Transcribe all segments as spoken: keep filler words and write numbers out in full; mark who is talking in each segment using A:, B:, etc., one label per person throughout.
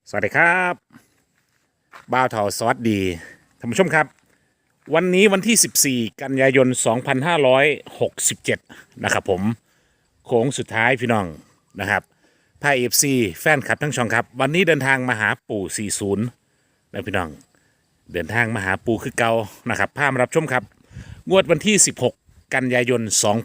A: สวัสดีครับบ่าวเถาสวัสดีท่านผู้ชมครับวันนี้วันที่สิบสี่กันยายนสองพันห้าร้อยหกสิบเจ็ดนะครับผมโค้งสุดท้ายพี่น้องนะครับพายเอฟซีแฟนคลับทั้งช่องครับวันนี้เดินทางมาหาปู่สี่สิบนะพี่น้องเดินทางมาหาปู่คือเก่านะครับพามารับชมครับงวดวันที่สิบหกกันยายน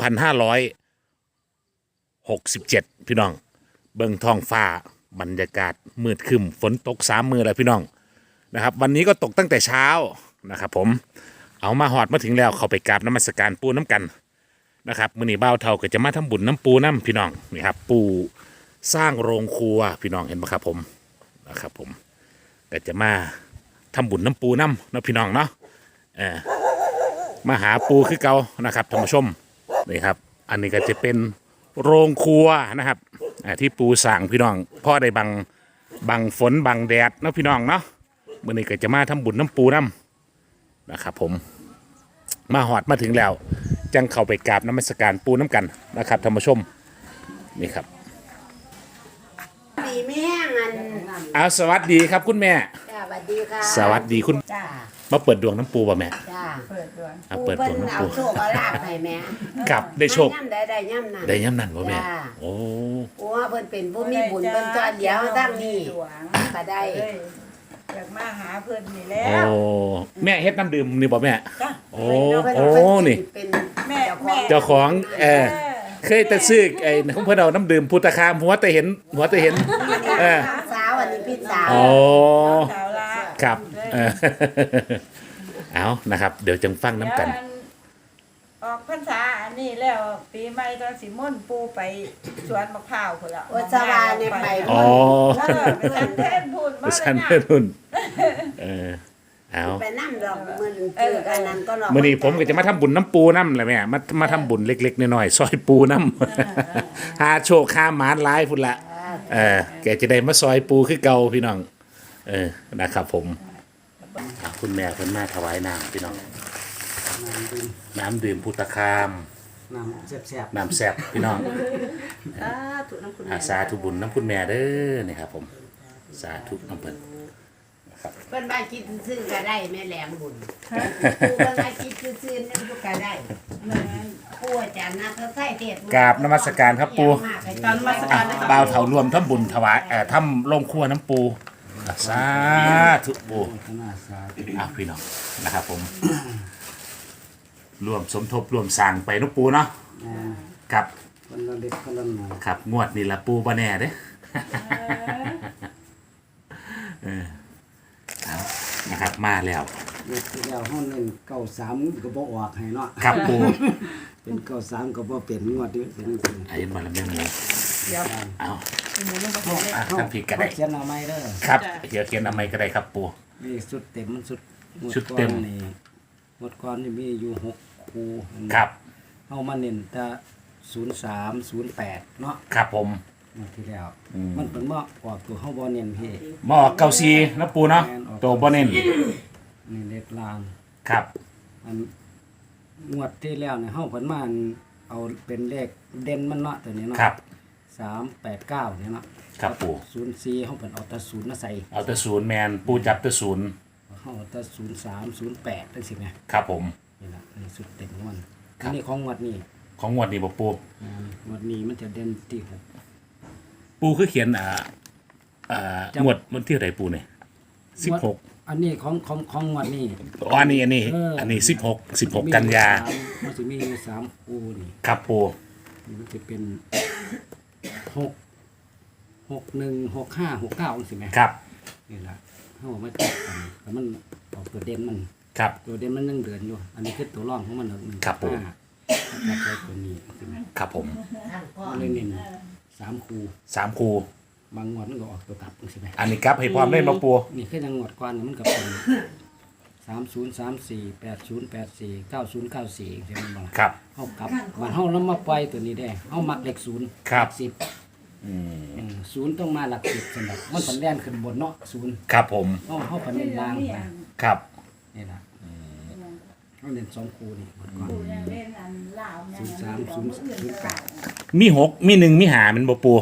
A: สองพันห้าร้อยหกสิบเจ็ดพี่น้องเบิ่งท้องฟ้าบรรยากาศมืดครึ้มฝนตกสามมือแล้วพี่น้องนะครับวันนี้ก็ตกตั้งแต่เช้านะครับผมเอามาหอดมาถึงแล้วเขาไปกราบน้ำมัสการปูน้ำกันนะครับมื้อนี้บ่าวเฒ่าก็จะมาทำบุญน้ำปูน้ำพี่น้องนี่ครับปูสร้างโรงครัวพี่น้องเห็นไหมครับผมนะครับผมก็จะมาทำบุญน้ำปูน้ำนะพี่น้องเนาะเออมาหาปูคือเก่านะครับท่านผู้ชมนี่ครับอันนี้ก็จะเป็นโรงครัวนะครับที่ปูสั่งพี่น้องพ่อได้บังบังฝนบังแดดนะพี่น้องเนาะมื่อนี้ก็จะมาทำบุญน้ำปูน้ำนะครับผมมาหอดมาถึงแล้วจังเข้าไปกราบน้ำมัสการปูน้ำกันนะครับท่านผู้ชมนี่ครับ
B: ดีแม่งัน
A: เอาสวัสดีครับคุณแม่
B: จ้าสวัสดีค่ะ
A: สวัสดีคุณ
B: จ้า
A: มาเปิดดวงน้ำปูป่ะแม่
B: จ้า
C: เปิดดวง
A: เอาเปิดดวง
B: พิ่น
A: น้ำ
B: เอา
A: ปู
B: โชคเอาลาภให้แม่
A: กับได้โชค
B: ย่ำได้ได้ย่ำนั่น
A: ได้ย้ำนั่นป่ะแม่
B: จ้า
A: โอ้
B: โอ้เพิ่นเป็นผู้มีบุญเพิ่นจอดเดียวตั้งนี่ก็ได้
C: เอ้ยอยากมาหาเพิ่นนี่แล้
A: โอ้
C: ว
A: แม่เฮ็ดน้ำดื่มนี่ป่ะแม่
C: จ้ะ
A: โอ้
B: เพิ่น
A: โอ้
B: เพิ่น
A: นี่
B: สิเป็น
C: แม่
B: เจ้าของ
C: แม่
A: เจ้าของเออเคยแต่ซื้อไอ้ของเพื่อนเอาน้ำดื่มพุทธคามหัวแต่เห็นหัวแต่เห็นเออ
B: สาวอันนี้พี่สาว
A: โอ้
C: สาวละ
A: ครับเออเอานะครับ เดี๋ยวจังฟังน้ำกัน
C: เดี๋ยวออกพรรษาอันนี้แล้วปีใหม่ตอนสิม่นปูไปสวนมะพร้าวพุ่นละ
B: โอสวาเนี่ยไป
A: อ๋อ
C: เออไปสันเทนพูดมา
A: ฉัน
C: เลย
A: เพื่อน
C: นะ
A: นุ่นเออเอา
B: ไปนั่งดอกมือจือกันนั้นก็รอ
A: มื่อนี้ผมก็จะมาทำบุญน้ำปูน้ำแหละแม่มามาทำบุญเล็กๆน้อยๆซอยปูน้ำหาโชคข้ามหมานร้ายพุ่นละเออแกจะได้มาซอยปูคือเก่าพี่น้องเออนะครับผมอ่ะคุณแม่เพิ่นมาถวายน้ำพี่น้องน้ำดื่มพุทธคาม
D: น้ำแซ่บ
A: น้ำแซ่บพี่น้อง
B: สาธุน้ำคุณ
A: อาสาธุบุญน้ำคุณแม่เด้อนี่ครับผมสาธุน้ำเพิ่นนะครับ
B: เพิ่นบ้านคิดซื้อก็ได้แม่แหลมบุญผู้เพิ่นบ้านคิดซื้อนั่นก็ได้ผู้อาจารย์นัทใส่เทศ
A: กราบนมัสการครับปู
B: ตอนนมัส
A: อ่ะ
B: การ
A: บ่าวเถารวมทำบุญถวายเอ่อทำโรงครัวน้ำปูอ่ะสาธุปู
D: ๆขนาดสาธุ
A: อ่ะพี่น้องนะครับผมรวมสมทบรวมสร้างไปน้ำปูเนาะ
D: อ่า
A: ครับ
D: คนละเล็กคนละหน่อย
A: ครับงวดนี่ละปูบ่แน่เด้อเออเอานะครับมาแล้ว
D: เด็กที่แล้วห้องหนึ่งเก้าสามก็บ่ออกให้เนาะ
A: ครับปู
D: เป็นเก้าสามก็บ่เป็นงวดนี้เป็นจังซี่
A: ไอ้มาแล้วแม่หมู
C: เดี๋ยว
A: เอา
C: หมูมันก็เป็นเลข
A: อ่ะท่านผิดก็ได้
D: เขียนเอาไม่เด้อ
A: ครับเดี๋ยวเขียนทำไมก็ได้ครับปู
D: นี่สุดเต็มมันสุดงว
A: ชุดเต็ม
D: ก่อนนี่งวดก่อนนี่มีอยู่หกคู่
A: ครับ
D: เฮามาเน้นแต่ศูนย์สามศูนย์แปดเนาะ
A: ครับผม
D: งวดที่แล้ว มันเป็นว่าออกตัวเฮาบ่เน้นเฮ
A: หมอเกาซีน้ำปูเนาะตัวบ่เน้น
D: นี่เลขลาง
A: ครับ
D: อันงวดที่แล้วเนี่ยเฮาเพิ่นมาอันเอาเป็นเลขเด่นมันเนาะตัวนี้เนาะ
A: ครับ
D: สามแปดเก้าเนี่ยเนาะ
A: ครับปู
D: ศูนย์สี่เฮาเพิ่นเอาแต่ศูนย์มาใส่
A: เอาแต่ศูนย์แมนปูจับแต่ศูนย์
D: เฮาเอาแต่ศูนย์สามศูนย์แปดจังซี่แหม
A: ครับผม
D: นี่ล่ะนี่สุดเด่นของมัน
A: ครั
D: อั
A: บ
D: นนี้ของงวดนี้
A: ของงวดนี้บ่ปู
D: อ่างวดนี้มันจะเด่นที่หก
A: ปูคือเขียนอ่าอ่า
D: จำ
A: งวดวันที่เท่าไหร่ปูเนี่ยสิบหก
D: อันนี้ของของของงวดนี้
A: อ๋ออันนี้อันนี้
D: เอออั
A: อันนี้สิบหกสิบหกกันยา
D: มันสิมีอยู่สามคู่นี่
A: ครับปู
D: นี่มันจะเป็นหกหกหนึ่งหกห้าหกเก้าจังซี่แหม
A: ครับ
D: นี่ล่ะเฮามาจับกันแล้วมันออกตัวเด่นมัน
A: ครับ
D: ตัวเด่นมันยังเดือนอยู่ อันนี้คือตัวร่องของมันหนึ่ง
A: ครับผม
D: ห้าจับใช้ตัวนี้ใช่ไหม
A: ครับผม
D: มันเลยเน้นสามคู
A: สามคู
D: บางงวดมันก็ออกตัวกลับใช่ไหม
A: อันนี้ครับให้พร้อมเล่นมาปู
D: นี่คือยังงวดก่อนนี่มันก็เป็นสามศูนย์สามสี่แปดศูนย์แปดสี่เก้าศูนย์เก้าสี่ใช่ไหมบ้าง
A: ครับ
D: เฮากลับมันเฮาแล้วมาปล่อยตัวนี้ได้เฮามักเลขศูนย์
A: ครับ
D: หลักสิบ
A: อืม
D: อืมศูนย์ต้องมาหลักสิบสำหรับมันผันแล่นขึ้นบนเนาะศูนย์
A: ครับผม
D: เฮาเฮาผันเน้นล่างไป
A: ครับ
D: นี่ล่ะเฮาเน้นสองคูนี่งวดก่อน
C: ปูยังเล่นอันลาว
D: ศูนย์สามศูนย์ศูนย์แปด
A: มีหกมีหนึ่งมีหามันบ่ปู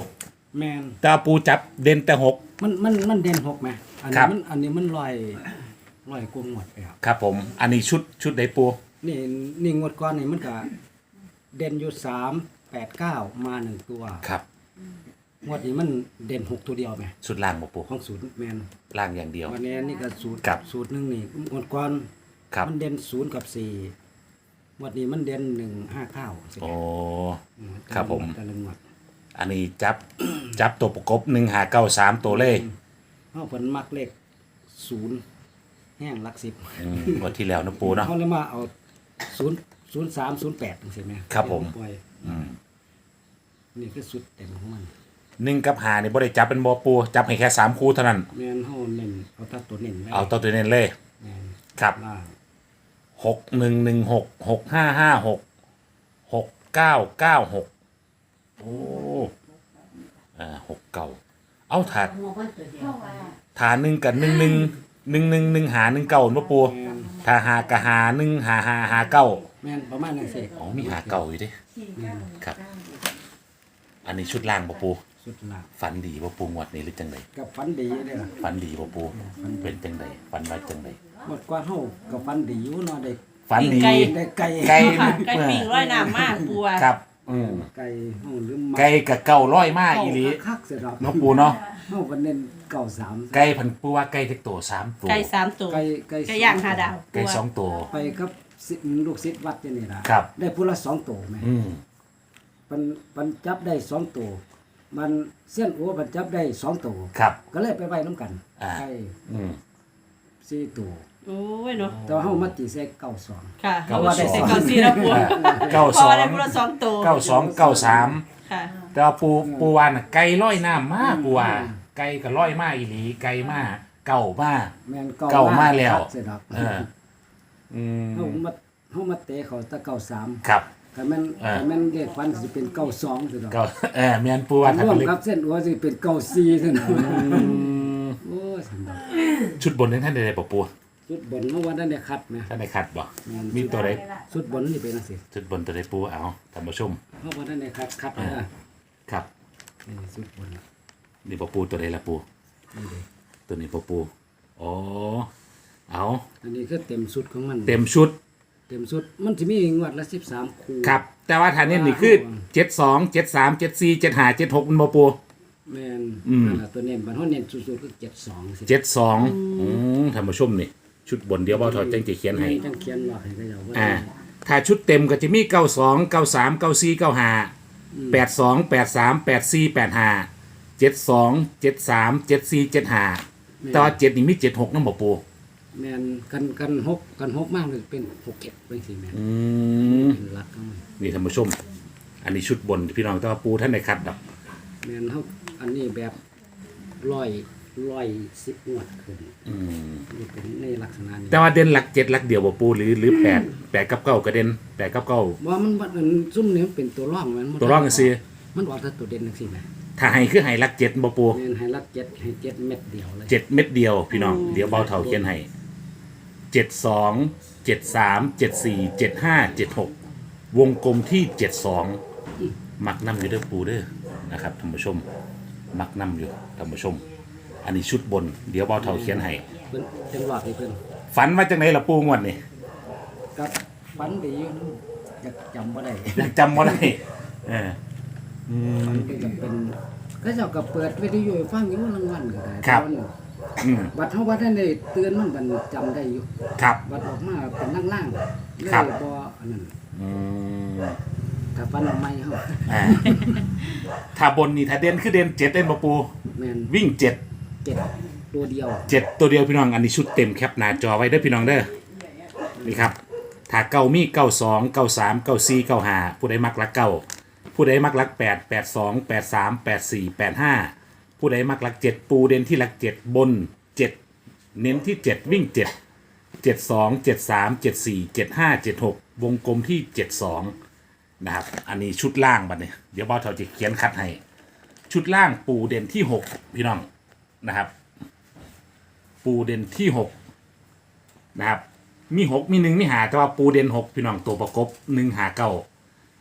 D: แมน
A: แต่ว่าปูจับเด่นแต่หก
D: มันมันมันเด่นหกไหมอัน
A: ครั
D: นี้
A: บ
D: มันอันนี้มันลอยลอยกลมหมดไปครับ
A: ครับผม อันนี้ชุดชุดใดปู
D: นี่นี่งวดก่อนนี่มันก็เด่นอยู่สามแปดเก้ามาหนึ่งตัว
A: ครับ
D: งวดนี้มันเด่นหกตัวเดียวไหม
A: ชุดล่างบ่ปู
D: ของศูนย์แมน
A: ล่างอย่างเดียว
D: วันนี้นี่ก็สูตร
A: ครับ
D: สูตรหนึ่งนี่งวดก่อน
A: ครับ
D: มันเด่นศูนย์กับสี่งวดนี้มันเด่นหนึ่งห้าเก้า
A: โอ้ครับผม
D: แต่ละงวด
A: อันนี้จับ จับตัวประกบหนึ่งหาเก้าสามตัวเลย
D: เขาผลมักเลขศูนย์แห้งหลักสิบ
A: อืมงวันที่แล้วนะปูเนาะ
D: เขาเลยมาเอาศูนย์ศูนย์สามศูนย์แปดใช่ไหม
A: ครับผม
D: ปล่อย
A: อืม
D: นี่คือสุดเต็มของมัน
A: หนึ่งกับหานี่บ่ได้จับเป็นบ่ปูจับให้แค่สามคู่เท่านั้น
D: แมนเขาเน้นเอาตัดตัวเน้นไว้
A: เอาตัวตัวเน้นเลย
D: แมน
A: ครับ
D: ล่าง
A: หกหนึ่งหนึ่งหกหกห้าห้าหกหกเก้าเก้าหกโอ้อ่าหกเก้าเอาถาด
B: หัวมันตัวเดียว
A: ถาหนึ่งกับหนึ่งหนึ่งหนึ่งหนึ่งหนึ่งหาหนึ่งเก้าบ่ปู
D: แมน
A: ถ้าหากะหาหนึ่งหาหาหาเก้า
D: แมนประมาณนั้นสิ
A: อ๋อมีหาเก้าอยู่เดิครับ อันนี้ชุดล่างบ่ปู
D: สุดล่าง
A: ฝันดีบ่ปูงวดนี้หรือจังได
D: กับฟันดีเลยล่ะ
A: ฝันดีบ่ปูเป็นจังไดฝันว่าจังได
D: หมดกว่าเขากับฟันดีอยู่เนาะได้
A: ฝันดี
C: ไก่
D: ได้ไก่
A: ไก่
C: ค่ะไก่ปิ้งร้อยน้ำมากปัว
A: ครับอืม
D: ไก่เฮาหรือมา
A: ไก่กับเก้าร้อยมากอีหลี
D: คักเสียดอก
A: เนาะปูเนาะ
D: เฮาก็เน้นเก่าสาม
A: ไก่พันปูว่าไก่เล็กตัวสามตัว
C: ไก่สามตัว
D: ไก่ไก่
C: ไก่ย่างหาดาว
A: ไก่สองตัว
D: ไปกับศิษย์ลูกศิษย์วัดนี่นี่ล่ะ
A: ครับ
D: ได้ผู้ละสองตัวไหม
A: อืม
D: มันมันจับได้สองตัวมันเส้นอัวมันจับได้สองตัว
A: ครับ
D: ก็เลยไปไว้น้ำกัน
A: อ่า
D: ไก่
A: อืม
D: สี่ตัว
C: โอ้ยเนาะ
D: แต่ว่าเฮามาตีใส่เก้าสอง
C: ค่ะ
A: เก้า
C: เพราะว่าได้
A: สอง
C: ใส่เก้าสี่แล้วปัว
A: เก้า
C: เพ
A: ส
C: ราะ
A: อ
C: ว่าง ได้ผู้ละสองตัว
A: เก้าสองเก้าสาม
C: ค่ะ
A: แต่ว่าปูปูวาน่ะไก่ร้อยน้ำมากปูว่าไก่กับร้อยมากอีหลีไก่มากเก่ามาก
D: แม่น
A: เก้ามาแล้ว
D: คักเสียดอก
A: เอออืม
D: เฮามาเฮามาเตะเขาแตะเก้าสาม
A: ครับ
D: ถ้าแม่น
A: อ่า
D: ถ้าแม่นเด็กฟันสิเป็นเก้าสองเสียดอก
A: เก็เออเมียนปูว่าถ้า
D: ร่ว
A: เป็
D: ม
A: นเล็ก
D: กับเส้นอัวสิเป็นเก้าสี่เสียดอก
A: อืม
D: โอ้ยสันดอก
A: ชุดบนนั้นท่านใดๆปะปู
D: สุดบนเมื่อวันนั้นได้คัดไหม
A: ท่านใดขัดบ่
D: แม่น
A: มีตัวใด
D: สุดบนนี่เป็นจังซี่
A: ชุดบนตัวใดปูเอาท่านผู้ชม
D: เมื่อวันนั้นได้คัดคัดนะ
A: ครับ
D: นี่สุดบน
A: นี่ปะปูตัวใดละปู
D: นี่เด้
A: ตัวนี้ปะปูอ๋อเอา
D: อันนี้คือเต็มสุดของมัน
A: เต็มชุด
D: เต็มสุดมันจะมีงวดละสิบสามคู่
A: ครับ แต่ว่าฐานนี้นี่คือเจ็ดสองเจ็ดสามเจ็ดสี่เจ็ดห้าเจ็ดหกมันปะปู
D: แม่น
A: อืม
D: นั่นล่ะตัวเน้นบันเขาเน้นสุดๆคือเจ็ดสองสิ
A: เจ็ดสองอืมท่านผู้ชมนี่ชุดบนเดียวเบาถอดแจ้งจะเขียนให้
D: จังเขียนว่าให้ก็อย่าว่า
A: อ่าถ้าชุดเต็มก็จะมีเก้าสองเก้าสามเก้าสี่เก้าห้าแปดสองแปดสามแปดสี่แปดห้าเจ็ดสองเจ็ดสามเจ็ดสี่เจ็ดห้าแต่ว่าเจ็ดนี่มีเจ็ดหกน้ำบ่ปู
D: แม่นกันกันหกกันหกมากเลยเป็นหกเก็บเป็นสี่แม่น
A: อืม
D: เป็นหลักของมัน
A: นี่ท่านผู้ชม อันนี้ชุดบนพี่น้องแต่ว่าปูท่านในคัดดับ
D: แม่นเขาอันนี้แบบร้อยร้อยสิบงวดขึ้น
A: อืม
D: นี่เป็นในลักษณะนี้
A: แต่ว่าเด่นหลักเจ็ดหลักเดียวบ่ปูหรือหรือแปดแปดกับเก้าก็เด่นแปดกับเก้า
D: ว่ามันมันซุ่มนี้มันเป็นตัวร่องมันมัน
A: ตัวร่องกันสิ
D: มันออกแต่ตัวเด่นจังซี่แหม
A: ถ้าให้คือให้หลักเจ็ดบ่ปู
D: แม่นให้ลักเจ็ดให้เจ็ดเม็ดเดียวเลย
A: เจ็ดเม็ดเดียวพี่น้องเดี๋ยวเบาเท่าเขียนให้เจ็ดสองเจ็ดสามเจ็ดสี่เจ็ดห้าเจ็ดหกวงกลมที่เจ็ดสองมักน้ำอยู่เด้อปูเด้อนะครับท่านผู้ชม มักน้ำอยู่ท่านผู้ชม อันนี้ชุดบน เดี๋ยวเบาเท่าเขียนให้
D: เพิ่นจังหวะที่เพิ่น
A: ฝันว่าจังไหนล่ะปูงวดนี่
D: กับฟันดีอยู่นะอยากจำบ่ได้
A: ยังจำบ่ได้เอออืม
D: มันก็จะเป็นก็เจ้าก็เปิดวิทยุให้ฟังอยู่รางวัลก็ได้
A: ครับ
D: แต่ว่า
A: อืม
D: บัดเฮาว่าท่านได้เตือนมันบันจำได้อยู่
A: ครับ
D: บัดออกมาเป็นล่างๆเลย
A: ครับ
D: บ่อันนั้น
A: อืม
D: ถ้าฟันออกใหม่เฮา
A: อ่าถ้าบนนี่ถ้าเด่นคือเด่นเจ็ดเด่นบ่ปู
D: แม่น
A: วิ่งเจ็ด
D: เจ็ดตัวเดียว
A: เจ็ดตัวเดียวพี่น้องอันนี้ชุดเต็มแคปหน้าจอไว้เด้อพี่น้องเด้อนี่ครับถ้าเก้ามีเก้าสองเก้าสามเก้าสี่เก้าห้าผู้ใดมักรักเก้าผู้ใดมักรักแปดแปดสองแปดสามแปดสี่แปดห้าผู้ใดมักรักเจ็ดปูเด่นที่รักเจ็ดบนเจ็ดเน้นที่เจ็ดวิ่งเจ็ดเจ็ดสองเจ็ดสามเจ็ดสี่เจ็ดห้าเจ็ดหกวงกลมที่เจ็ดสองนะครับอันนี้ชุดล่างบัดเนี่ยเดี๋ยวบอสเถาจะเขียนคัดให้ชุดล่างปูเด่นที่หกพี่น้องนะครับ ปูเด่นที่หกนะครับมีหกมีหนึ่งมีหาแต่ว่าปูเด่นหกพี่น้องตัวประกบหนึ่งหาเก้า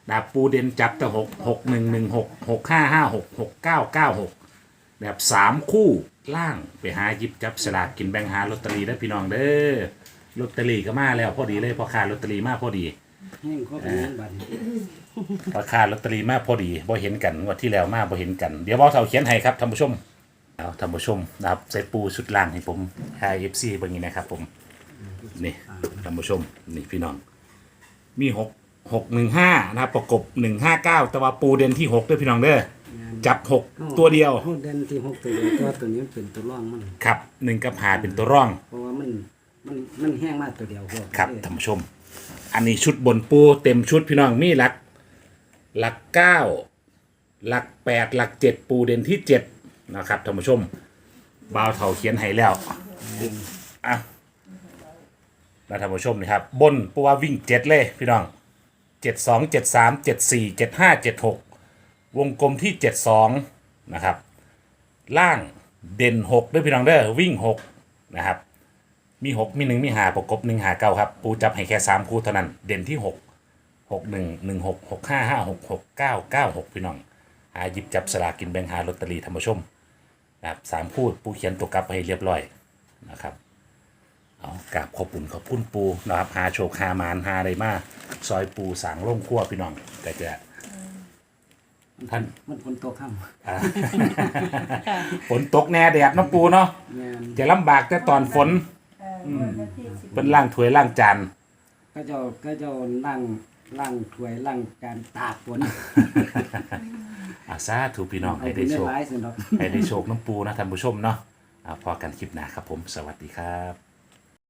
A: ดาบปูเด่นจับแต่หกหกหนึ่งหนึ่งหกหกห้าห้าหกหกเก้าเก้าหกแบบสามคู่ล่างไปหาหยิบจับสลากกินแบ่งหาลอตเตอรี่ได้อพี่น้องเด้อลอตเตอรี่ก็มาแล้วพอดีเลยพอขาลอตเตอรี่มาพอดี
D: แห้งเข้าไปเงินบัตร
A: พอขาลอตเตอรี่มาพอดีบ่เห็นกันงวดที่แล้วมาบ่เห็นกันเดี๋ยวเบาเท่าเขียนให้ครับท่านผู้ชมเอาท่านผู้ชมนะครับใส่ปูชุดล่างให้ผมไฮเอฟซีเบางนี้นะครับผมนี่ท่านผู้ชมนี่พี่น้องมีหกหกหนึ่งห้านะครับประกบหนึ่งห้าเก้าแต่ว่าปูเด่นที่หกด้วยพี่น้องเด้อจับหกตัวเดียว
D: เขาเด่นที่หกตัวเดียวตัวตัวนี้มันเป็นตัวร่องมัน
A: ครับหนึ่งกับหาเป็นตัวร่อง
D: เพราะว่ามันมันมันแห้งมากตัวเดียวพวก
A: ครับท่านผู้ชม อันนี้ชุดบนปูเต็มชุดพี่น้องมีหลักหลักเก้าหลักแปดหลักเจ็ดปูเด่นที่เจ็ดนะครับท่านผู้ชมบ่าวเถาเขียนให้แล้วอ่ะนะท่านผู้ชมนี่ครับบนปูว่าวิ่งเจ็ดเลยพี่น้องเจ็ดสองเจ็ดสามเจ็ดสี่เจ็ดห้าเจ็ดหกวงกลมที่เจ็ดสองนะครับล่างเด่นหกด้วยพี่น้องเด้อวิ่งหกนะครับมีหกมีหนึ่งมีหาประกบหนึ่งหาเก้าครับปูจับให้แค่สามคู่เท่านั้นเด่นที่หกหกหนึ่งหนึ่งหกหกห้าห้าหกหกเก้าเก้าหกพี่น้องหาหยิบจับสลากกินแบ่งหาลอตเตอรี่ท่านผู้ชมนะครับสามคู่ปูเขียนตัวกลับให้เรียบร้อยนะครับเอากราบขอบคุณขอบคุณปูนะครับหาโชคหามานหาอะไรมาซอยปูสางล่งขั้วพี่น้องแต่จะท่าน
D: มันคนตัวข้าม
A: อ่า ฝนตกแน่แดดเน้ำปูเนาะ
D: แม่น
A: จะลำบากแต่ตอนฝน
C: เออวันที่สิบ
A: เป็นล่างถ้วยล่างจาน
D: ก็เจ้าก็เจ้าล่างล่างถ้วยล่างการตากฝน
A: อาซาถูกพี่น้อง
D: เอา
A: ให้
D: ไป
A: ได้
D: เนื้
A: โช
D: อ
A: ค
D: ร้ายสินดอก
A: ให้ได้โชคน้ำปูนะท่านผู้ชมเนาะอ่าพอกันคลิปหน้าครับผม สวัสดีครับ